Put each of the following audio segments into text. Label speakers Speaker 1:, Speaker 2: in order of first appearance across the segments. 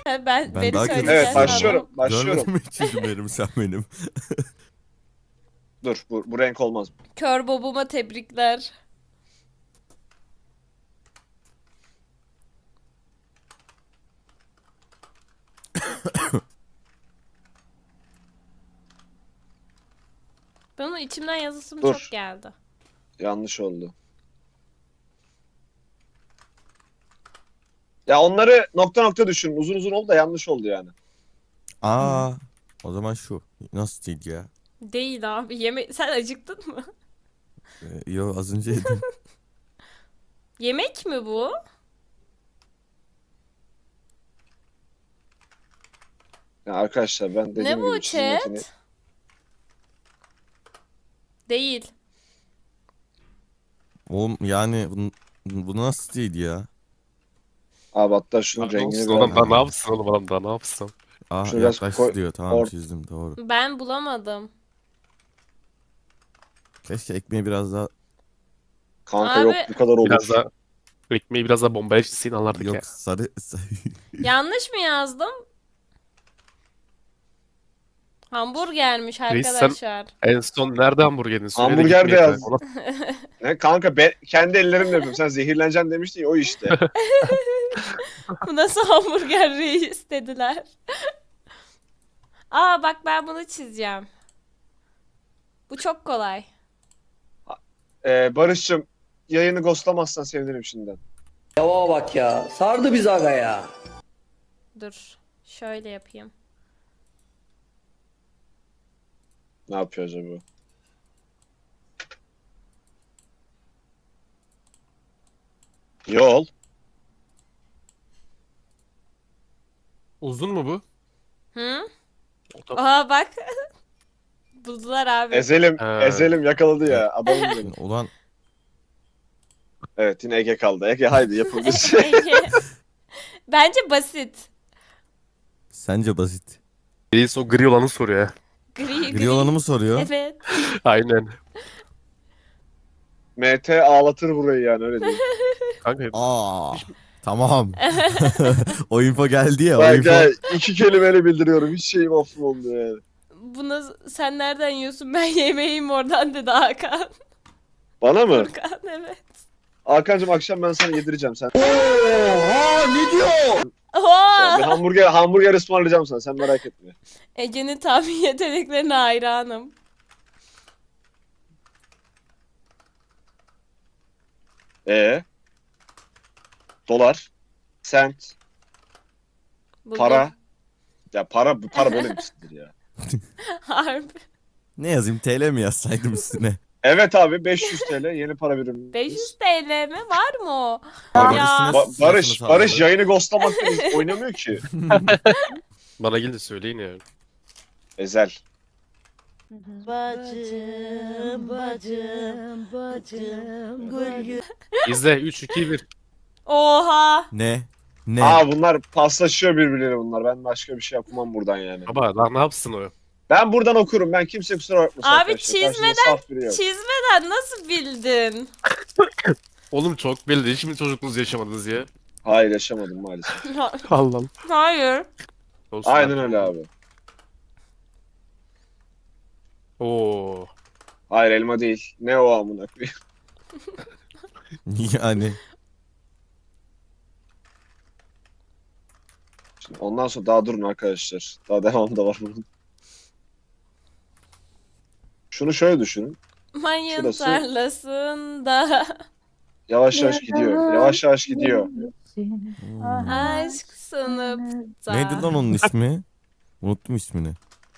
Speaker 1: Beni
Speaker 2: daha
Speaker 1: söyleyeceğim.
Speaker 2: kötü
Speaker 3: Evet başlıyorum. Başlıyorum.
Speaker 2: Görmedim hiç çizimlerimi sen benim.
Speaker 3: Dur bu renk olmaz.
Speaker 1: Kör Bob'uma tebrikler. Bunun içimden yazısım
Speaker 3: Dur.
Speaker 1: çok geldi.
Speaker 3: Yanlış oldu. Ya onları nokta nokta düşün. Uzun uzun oldu da yanlış oldu yani.
Speaker 2: Aa, o zaman şu. Nasıl değil ya?
Speaker 1: Değil abi. Sen acıktın mı?
Speaker 2: Yo, az önce yedim.
Speaker 1: Yemek mi bu?
Speaker 3: Ya arkadaşlar ben dediğim
Speaker 1: Ne bu
Speaker 3: gibi çizim
Speaker 1: chat?
Speaker 3: yeteneği...
Speaker 1: Değil.
Speaker 2: Oğlum yani bu nasıl değil ya?
Speaker 3: Abi hatta şunun
Speaker 4: Ne
Speaker 3: rengini
Speaker 4: yapsın
Speaker 3: biraz...
Speaker 4: oğlum, daha ne yapsın oğlum, adam daha ne yapsın?
Speaker 2: Aa,
Speaker 3: Şunu biraz
Speaker 2: yaklaştı diyor. Tamam,
Speaker 3: or-
Speaker 2: çizdim, doğru.
Speaker 1: Ben bulamadım.
Speaker 2: Keşke ekmeği biraz daha...
Speaker 3: Kanka
Speaker 1: Abi-
Speaker 3: yok bu kadar olur.
Speaker 4: Biraz daha ekmeği biraz daha bombaya çizsin anlardık ya.
Speaker 2: Yok, sarı...
Speaker 1: Yanlış mı yazdım? Hamburgermiş
Speaker 4: Reis, sen-
Speaker 1: arkadaşlar.
Speaker 4: En son nerede hamburgerini söyle de
Speaker 3: Hamburger
Speaker 4: gitmeye
Speaker 3: de yaz.
Speaker 4: karakola.
Speaker 3: Ne kanka kendi ellerimle yapıyorum. Sen zehirleneceksin demiştin ya o işte.
Speaker 1: Bu nasıl hamburger reis dediler. Aa bak ben bunu çizeceğim. Bu çok kolay.
Speaker 3: Barış'cığım yayını ghostlamazsan sevinirim şimdiden.
Speaker 5: Yava bak ya. Sardı biz aga ya.
Speaker 1: Dur. Şöyle yapayım.
Speaker 3: Ne yapıyor acaba? Yol.
Speaker 4: Uzun mu bu?
Speaker 1: Hı?
Speaker 4: O da-
Speaker 1: Aa bak. Buldular abi.
Speaker 3: Ezelim,
Speaker 4: Ha.
Speaker 3: Ezelim yakaladı ya. Adamım benim.
Speaker 2: Ulan
Speaker 3: Evet yine Ege kaldı. Ege haydi yapabiliriz.
Speaker 1: Ege. Bence basit.
Speaker 2: sence basit.
Speaker 4: Reis o gri olanı soruyor ya.
Speaker 2: Gri olanı mı soruyor?
Speaker 1: Evet.
Speaker 4: Aynen.
Speaker 3: MT ağlatır burayı yani öyle değil.
Speaker 4: Kanka
Speaker 2: Aa, tamam. O info geldi ya, o
Speaker 3: Bak
Speaker 2: info.
Speaker 3: ya 2 kelimeyle bildiriyorum. Hiç şeyim affoldu yani.
Speaker 1: Bunu sen nereden yiyorsun? Ben yemeğim oradan dedi Hakan.
Speaker 3: Bana mı?
Speaker 1: Furkan evet.
Speaker 3: Hakan'cığım akşam ben sana yedireceğim. Sen
Speaker 5: Oha ne diyor?
Speaker 3: bir
Speaker 1: Oha!
Speaker 3: hamburger ısmarlayacağım sana. Sen merak etme.
Speaker 1: Ege'nin tahmin yeteneklerine hayranım.
Speaker 3: E dolar, sent,
Speaker 1: Buldum.
Speaker 3: para. Ya para böyle bir şeydir ya.
Speaker 1: Harbi.
Speaker 2: Ne yazayım, TL mi yazsaydım üstüne?
Speaker 3: Evet abi 500 TL yeni para birimi.
Speaker 1: 500 TL mi? Var mı o?
Speaker 2: Bak,
Speaker 1: Ya.
Speaker 2: üstüne
Speaker 3: Barış
Speaker 2: sırasını
Speaker 3: Barış
Speaker 2: sağladı.
Speaker 3: yayını ghostlamaktan oynamıyor ki.
Speaker 4: bana gelin de söyleyin ya.
Speaker 3: Ezel.
Speaker 6: Bacım, bacım, bacım, gül
Speaker 4: İzle 3 2 1.
Speaker 1: Oha!
Speaker 2: Ne? Ne?
Speaker 3: Aa bunlar paslaşıyor birbirleriyle bunlar. Ben başka bir şey yapmam buradan yani.
Speaker 4: Baba daha ne yapsın o?
Speaker 3: Ben buradan okurum. Ben kimse kusura bakmasın
Speaker 1: Abi
Speaker 3: arkadaşlar. Karşımda saf biri yok.
Speaker 1: Çizmeden nasıl bildin?
Speaker 4: Oğlum çok belli. Hiç mi çocukluğunuzu yaşamadınız ya?
Speaker 3: Hayır yaşamadım maalesef.
Speaker 4: Allah'ım.
Speaker 1: Hayır.
Speaker 4: Olsun
Speaker 3: Aynen
Speaker 4: abi.
Speaker 3: öyle abi.
Speaker 4: Oo.
Speaker 3: Hayır elma değil. Ne o amına koyayım.
Speaker 2: Yani
Speaker 3: Şimdi ondan sonra daha durun arkadaşlar. Daha devamı da var bunun. Şunu şöyle düşünün.
Speaker 1: Mayın
Speaker 3: Şurası-
Speaker 1: tarlasında
Speaker 3: Yavaş yavaş gidiyor. Yavaş yavaş gidiyor.
Speaker 1: aşk sınıfta.
Speaker 2: neydi lan onun ismi? Unuttum ismini.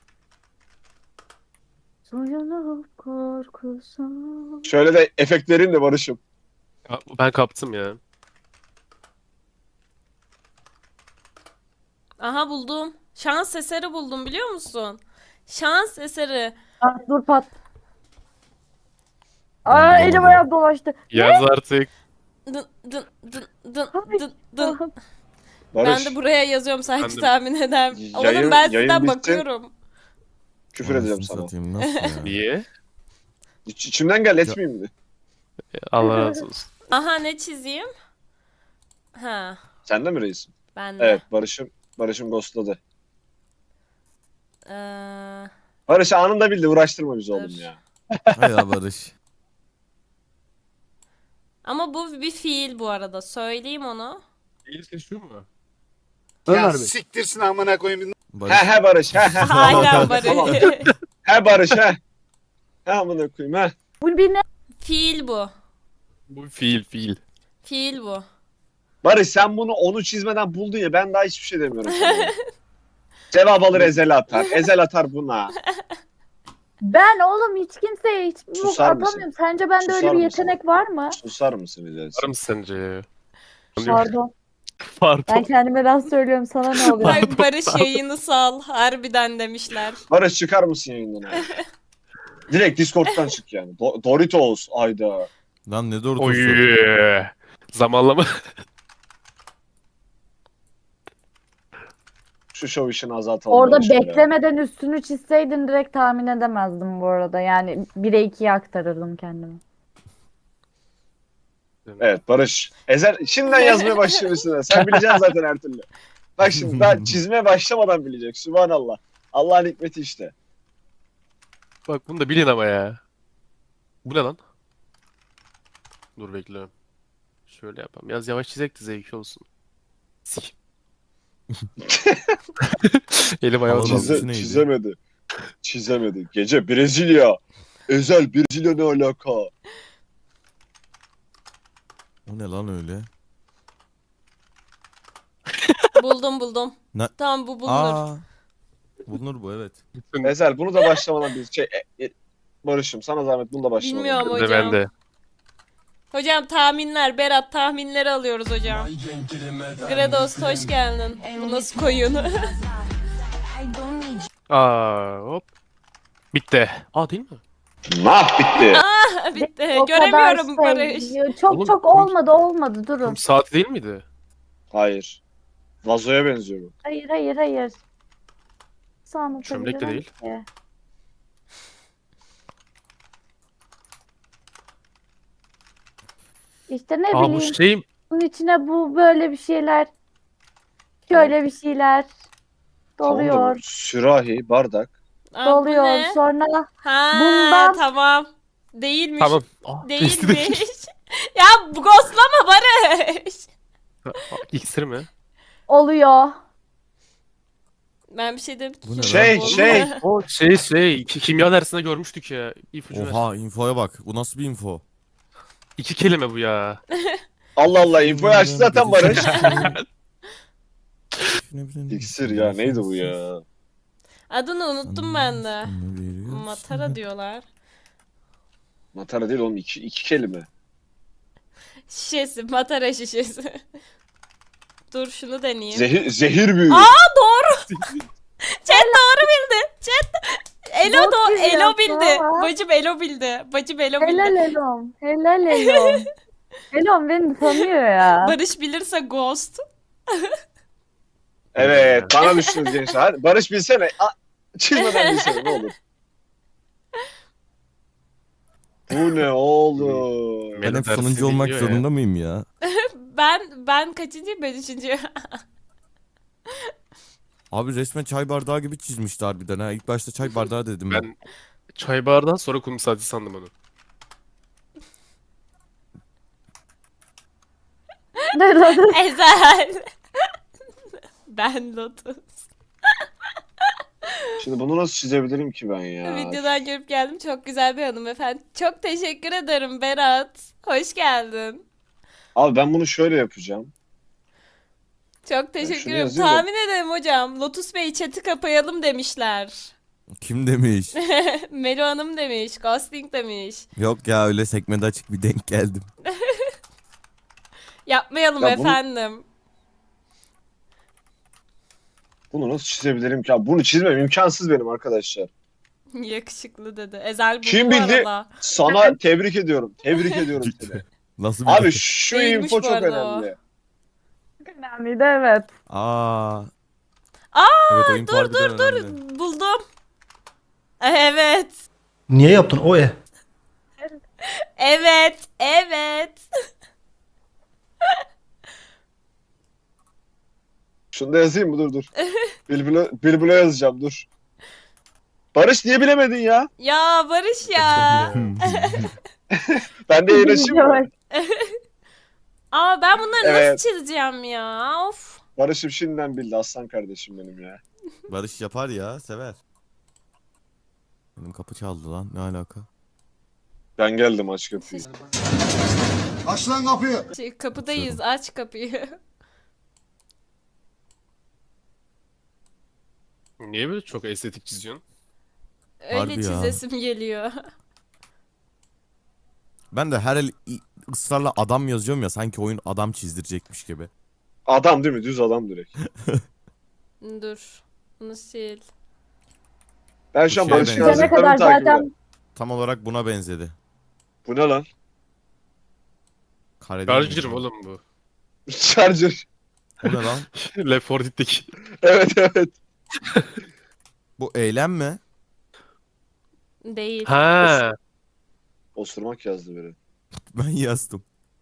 Speaker 6: Soyunup korkusun.
Speaker 3: Şöyle de efekt vereyim de Barış'ım.
Speaker 4: Ya, ben kaptım ya.
Speaker 1: Aha buldum. Şans eseri buldum biliyor musun? Şans eseri.
Speaker 6: Ah, dur pat. Aa elim ayağım dolaştı.
Speaker 4: Yaz artık.
Speaker 1: Dın dın dın dın
Speaker 6: Ay,
Speaker 1: dın dın.
Speaker 6: Ah,
Speaker 3: Barış
Speaker 1: Ben de buraya yazıyorum sanki
Speaker 4: Ben de-
Speaker 1: tahmin eder.
Speaker 3: Yayın-
Speaker 1: Oğlum ben
Speaker 3: yayın
Speaker 1: sizden
Speaker 3: bitti.
Speaker 1: bakıyorum.
Speaker 3: küfür edeceğim
Speaker 2: Anasını
Speaker 3: sana.
Speaker 2: satayım, nasıl ya?
Speaker 4: Niye?
Speaker 3: İçimden gel etmeyeyim mi?
Speaker 4: Allah razı olsun.
Speaker 1: Aha ne çizeyim? Ha
Speaker 3: Sen de mi reisim?
Speaker 1: ben de.
Speaker 3: Evet Barış'ım. Barış'ım ghostladı.
Speaker 1: Ee,
Speaker 3: Barış anında bildi. Uğraştırma bizi
Speaker 1: Dur.
Speaker 3: oğlum ya.
Speaker 2: Hay ya Barış.
Speaker 1: ama bu bir fiil bu arada. Söyleyeyim onu.
Speaker 4: İyisi şu mu?
Speaker 7: Ya siktirsin amına koyayım.
Speaker 2: Barış.
Speaker 3: He Barış he he.
Speaker 1: Aynen Barış.
Speaker 3: Tamam. He Barış he. He amına koyayım he.
Speaker 6: Bu bir ne?
Speaker 1: Fiil bu.
Speaker 4: Bu fiil.
Speaker 1: Fiil bu.
Speaker 3: Barış sen bunu onu çizmeden buldun ya ben daha hiçbir şey demiyorum sana. Cevap alır Ezel atar. Ezel atar buna.
Speaker 6: Ben oğlum hiç kimseye hiç bu
Speaker 3: Susar mısın?
Speaker 6: atamıyorum. Sence bende
Speaker 3: Susar
Speaker 6: öyle bir
Speaker 3: mısın?
Speaker 6: yetenek var mı?
Speaker 3: Susar mısın Ezel?
Speaker 4: Var mı sence ya?
Speaker 6: Pardon. Ben
Speaker 4: Pardon.
Speaker 6: kendime laf söylüyorum. Sana ne oluyor?
Speaker 1: Ay Barış yayını sal. Harbiden demişler.
Speaker 3: Barış çıkar mısın yayından abi? Direkt Discord'dan çık yani. Doritos ayda.
Speaker 2: Lan ne doğru
Speaker 4: Oy. Zamanlama.
Speaker 3: Şu show işini azaltalım.
Speaker 6: Orada
Speaker 3: Barış ya.
Speaker 6: beklemeden üstünü çizseydin direkt tahmin edemezdim bu arada. Yani 1'e 2'ye aktarırdım kendimi.
Speaker 3: Evet Barış. Ezel şimdiden yazmaya başlıyor üstüne. Sen bileceksin zaten her türlü. Bak şimdi daha çizmeye başlamadan bilecek. Sübhanallah. Allah'ın hikmeti işte.
Speaker 4: Bak bunu da bilin ama ya. Bu ne lan? Dur bekliyorum. Şöyle yapalım. Biraz yavaş çizek de zevki olsun. Sik. Elim ayağım
Speaker 2: Havalı.
Speaker 4: çaldı.
Speaker 2: neydi?
Speaker 3: Çizemedi. Çizemedi. Gece Brezilya. Ezel Brezilya ne alaka?
Speaker 2: O ne lan öyle?
Speaker 1: Buldum.
Speaker 2: Ne?
Speaker 1: Tamam bu bulunur.
Speaker 2: Aa. Bulunur bu evet.
Speaker 3: Ezel bunu da başlamadan bir şey... Barış'ım sana zahmet bunu da başlamadan.
Speaker 1: Bilmiyorum
Speaker 4: Ben de
Speaker 1: hocam.
Speaker 4: ben de.
Speaker 1: Hocam tahminler. Berat tahminleri alıyoruz hocam. Gredos hoş geldin. Bu nasıl koyun?
Speaker 4: Aa hop. Bitti. Aa değil mi?
Speaker 3: Nah bitti.
Speaker 1: Bitti.
Speaker 6: O
Speaker 1: Göremiyorum
Speaker 6: kadar
Speaker 1: Barış.
Speaker 6: Çok
Speaker 4: Oğlum,
Speaker 6: çok olmadı durun.
Speaker 4: Kum saati değil miydi?
Speaker 3: Hayır. Vazoya benziyor bu.
Speaker 6: Hayır. Nasıl
Speaker 4: Çömlek de
Speaker 6: anlatabilirim
Speaker 4: değil.
Speaker 6: ki? İşte ne
Speaker 4: Aa bu
Speaker 6: bileyim
Speaker 4: şey
Speaker 6: bunun içine bu böyle bir şeyler şöyle bir şeyler
Speaker 3: Tamam da bu
Speaker 6: doluyor.
Speaker 3: sürahi, bardak.
Speaker 1: Aa, bu
Speaker 6: Doluyor.
Speaker 1: ne?
Speaker 6: Sonra
Speaker 1: Ha
Speaker 6: Bundan-
Speaker 1: tamam. Değilmiş.
Speaker 4: tamam. Aa, testi değil.
Speaker 1: Değilmiş. Ya bu ghostlama Barış.
Speaker 4: İksir mi?
Speaker 6: oluyor.
Speaker 1: Ben bir şey dedim ki.
Speaker 2: Bu ne
Speaker 3: Şey,
Speaker 2: lan?
Speaker 3: şey.
Speaker 4: O kimya dersinde görmüştük ya. İpucu ver.
Speaker 2: Oha infoya bak. Bu nasıl bir info?
Speaker 4: 2 kelime bu ya.
Speaker 3: Allah Allah infoyu açtı zaten Barış. İksir ya neydi bu ya?
Speaker 1: Adını unuttum ben de. Matara diyorlar.
Speaker 3: Matara değil oğlum iki kelime.
Speaker 1: Şişesi, matara şişesi. Dur şunu deneyeyim.
Speaker 3: Zehir büyüğü.
Speaker 1: Chat doğru bildi. Chat. Elo
Speaker 6: Çok
Speaker 1: do
Speaker 6: güzel
Speaker 1: Elo bildi.
Speaker 6: ya.
Speaker 1: Bacım Elo bildi. Bacım Elo
Speaker 6: Helal
Speaker 1: bildi.
Speaker 6: Elom. Helal Elom. Elom beni tanıyor ya.
Speaker 1: Barış bilirse ghost.
Speaker 3: Evet bana düştünüz gençler. Hadi Barış bilsene. Çizmeden bilsene ne olur. Bu ne oğlum?
Speaker 2: Ben
Speaker 4: Benim
Speaker 2: hep
Speaker 4: dersi
Speaker 2: sonuncu olmak
Speaker 4: dinliyor ya.
Speaker 2: zorunda mıyım ya?
Speaker 1: Ben kaçıncıyım? Ben üçüncü.
Speaker 2: Abi resmen çay bardağı gibi çizmişti harbiden ha. İlk başta çay bardağı dedim ben.
Speaker 4: Ben çay bardağından sonra kum saati sandım onu.
Speaker 6: Ne lan?
Speaker 1: Ezel. Ben Lotus.
Speaker 3: Şimdi bunu nasıl çizebilirim ki ben ya?
Speaker 1: Videodan görüp geldim. Çok güzel bir hanımefendi. Çok teşekkür ederim Berat. Hoş geldin.
Speaker 3: Abi ben bunu şöyle yapacağım.
Speaker 1: Çok teşekkür
Speaker 3: şunu
Speaker 1: ederim.
Speaker 3: yazayım da-
Speaker 1: Tahmin ederim hocam. Lotus Bey chat'i kapayalım demişler.
Speaker 2: Kim demiş?
Speaker 1: Melo Hanım demiş. Ghosting demiş.
Speaker 2: Yok ya öyle sekmede açık bir denk geldim.
Speaker 1: Yapmayalım
Speaker 3: Ya bunu-
Speaker 1: efendim.
Speaker 3: Bunu nasıl çizebilirim ki? Abi bunu çizmem imkansız benim arkadaşlar.
Speaker 1: Yakışıklı dedi. Ezel buldu
Speaker 3: Kim
Speaker 1: bu
Speaker 3: bildi?
Speaker 1: arada.
Speaker 3: Sana tebrik ediyorum. Tebrik ediyorum seni.
Speaker 2: Nasıl bir
Speaker 3: Abi şu
Speaker 1: Değilmiş
Speaker 3: info
Speaker 1: bu
Speaker 3: çok
Speaker 1: arada o.
Speaker 3: önemli.
Speaker 6: Önemliydi evet.
Speaker 2: Aa.
Speaker 1: Aa,
Speaker 2: Evet o info harbiden önemli.
Speaker 1: Buldum. Evet.
Speaker 5: Niye yaptın o e?
Speaker 1: Evet.
Speaker 3: Şunu da yazayım mı? Dur. Bilbilo yazacağım dur. Barış niye bilemedin ya?
Speaker 1: Ya Barış ya.
Speaker 3: Ben de yayın açayım mı?
Speaker 1: Aa ben bunları
Speaker 3: Evet.
Speaker 1: nasıl çizeceğim ya? Of.
Speaker 3: Barış'ım şimdiden bildi aslan kardeşim benim ya.
Speaker 2: Barış yapar ya, sever. Benim kapı çaldı lan, ne alaka?
Speaker 3: Ben geldim aç kapıyı.
Speaker 7: Aç lan kapıyı.
Speaker 1: Kapıdayız. Aç kapıyı.
Speaker 4: Niye böyle çok estetik çiziyorsun?
Speaker 1: Öyle
Speaker 2: Harbi ya.
Speaker 1: çizesim geliyor.
Speaker 2: Ben de her el ısrarla adam yazıyorum ya, sanki oyun adam çizdirecekmiş gibi.
Speaker 3: Adam değil mi? Düz adam direkt.
Speaker 1: Dur. Bunu sil.
Speaker 3: Ben şu an
Speaker 2: Bu şeye
Speaker 3: Barış'ın
Speaker 2: benziyor.
Speaker 6: Gidene
Speaker 3: yazdıklarını
Speaker 6: kadar
Speaker 3: takip ediyorum.
Speaker 6: zaten
Speaker 2: Tam olarak buna benzedi.
Speaker 3: Bu ne lan?
Speaker 2: Kareden
Speaker 4: Charger
Speaker 2: mi?
Speaker 4: oğlum bu.
Speaker 3: Charger.
Speaker 2: Bu ne lan?
Speaker 4: Left 4 Dead'deki.
Speaker 3: Evet.
Speaker 2: Bu eylem mi?
Speaker 1: Değil.
Speaker 4: Ha.
Speaker 3: Osurmak yazdı biri.
Speaker 2: Ben yazdım.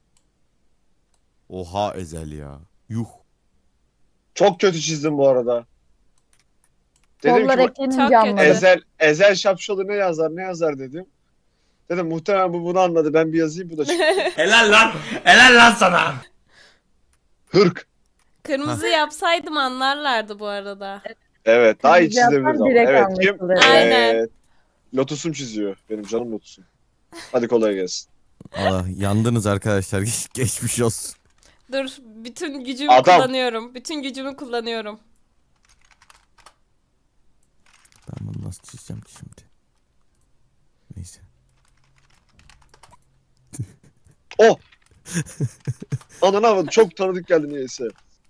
Speaker 2: Oha Ezel ya. Yuh.
Speaker 3: Çok kötü çizdim bu arada. Dedim
Speaker 6: kollar
Speaker 3: ki
Speaker 6: eklenince
Speaker 1: Çok kötü.
Speaker 6: anladım.
Speaker 3: Ezel Şapşalı ne yazar dedim. Dedim muhtemelen bu bunu anladı. Ben bir yazayım bu da çıktı.
Speaker 5: Helal lan. Helal lan sana.
Speaker 3: Hırk.
Speaker 1: Kırmızı yapsaydım anlarlardı bu arada.
Speaker 3: Evet daha iyi
Speaker 6: Kırmızı yapsan
Speaker 3: çizebiliriz ama.
Speaker 6: direkt
Speaker 3: Evet kim?
Speaker 6: anlaşılır.
Speaker 1: Aynen.
Speaker 3: Lotus'um çiziyor. Benim canım Lotus'um. Hadi kolay gelsin.
Speaker 2: Allah yandınız arkadaşlar. Geçmiş olsun.
Speaker 1: Dur. Bütün gücümü
Speaker 3: Adam.
Speaker 1: kullanıyorum. Bütün gücümü kullanıyorum.
Speaker 2: Ben bunu nasıl çizeceğim ki şimdi? Neyse.
Speaker 3: Oh! Ananı avradım. Çok tanıdık geldi niyeyse.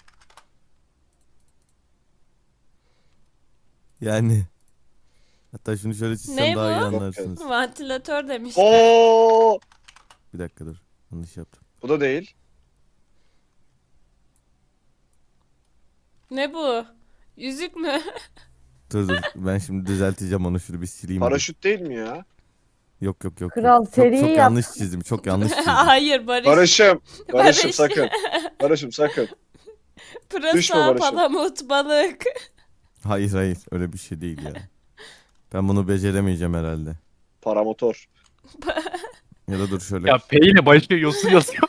Speaker 2: Yani. Hatta şunu şöyle çizsem
Speaker 1: Ne
Speaker 2: daha iyi
Speaker 1: bu?
Speaker 2: anlarsınız.
Speaker 1: Vantilatör demiş.
Speaker 3: Oo!
Speaker 2: Bir dakika dur. Yanlış yaptım.
Speaker 3: Bu da değil.
Speaker 1: Ne bu? Yüzük mü?
Speaker 2: Dur. Ben şimdi düzelteceğim onu, şunu bir sileyim. bir.
Speaker 3: Paraşüt değil mi ya?
Speaker 2: Yok.
Speaker 6: Kral
Speaker 2: Çok
Speaker 6: seriyi
Speaker 2: çok
Speaker 6: yap.
Speaker 2: yanlış çizdim. Çok yanlış çizdim.
Speaker 1: Hayır Barış.
Speaker 3: Barış'ım
Speaker 1: Barış.
Speaker 3: sakın. Barış'ım sakın. Düşme
Speaker 1: Pırasa,
Speaker 3: Barış'ım.
Speaker 1: palamut, balık.
Speaker 2: Hayır. Öyle bir şey değil ya. Ben bunu beceremeyeceğim herhalde.
Speaker 3: Paramotor.
Speaker 2: Ya da dur şöyle.
Speaker 4: Ya P ile başlıyor, yosun yazıyor.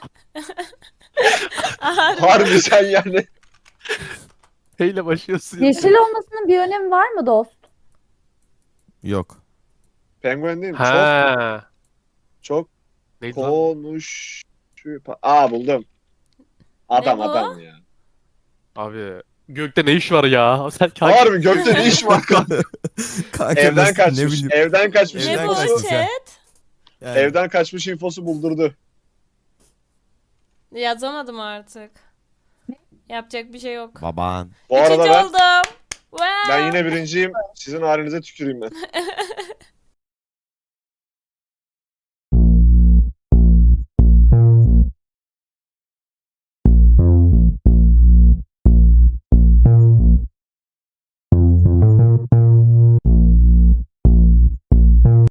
Speaker 3: Harbi sen yani.
Speaker 4: P ile başlıyorsun. yazıyor.
Speaker 6: Yeşil olmasının bir önemi var mı dost?
Speaker 2: Yok.
Speaker 3: Penguen değil mi?
Speaker 4: Ha.
Speaker 3: Çok
Speaker 4: Neydi lan?
Speaker 3: konuş. Aa buldum. Adam
Speaker 1: Ne bu?
Speaker 3: adam ya.
Speaker 4: Abi gökte ne iş var ya? Sen kanka.
Speaker 3: Harbi gökte ne iş var kanka?
Speaker 2: Kanka
Speaker 3: Evden
Speaker 2: nasıl, ne
Speaker 3: kaçmış.
Speaker 2: bileyim.
Speaker 3: Evden kaçmış
Speaker 1: Ne
Speaker 2: Evden
Speaker 1: bu
Speaker 3: infosu.
Speaker 2: kaçmış ha.
Speaker 1: chat?
Speaker 2: Yani,
Speaker 3: Evden kaçmış infosu buldurdu.
Speaker 1: Yazamadım artık. Yapacak bir şey yok.
Speaker 2: Baban.
Speaker 3: Bu arada
Speaker 1: Üçüncü
Speaker 3: ben,
Speaker 1: oldum. Wow.
Speaker 3: ben yine birinciyim. Sizin halinize tüküreyim ben.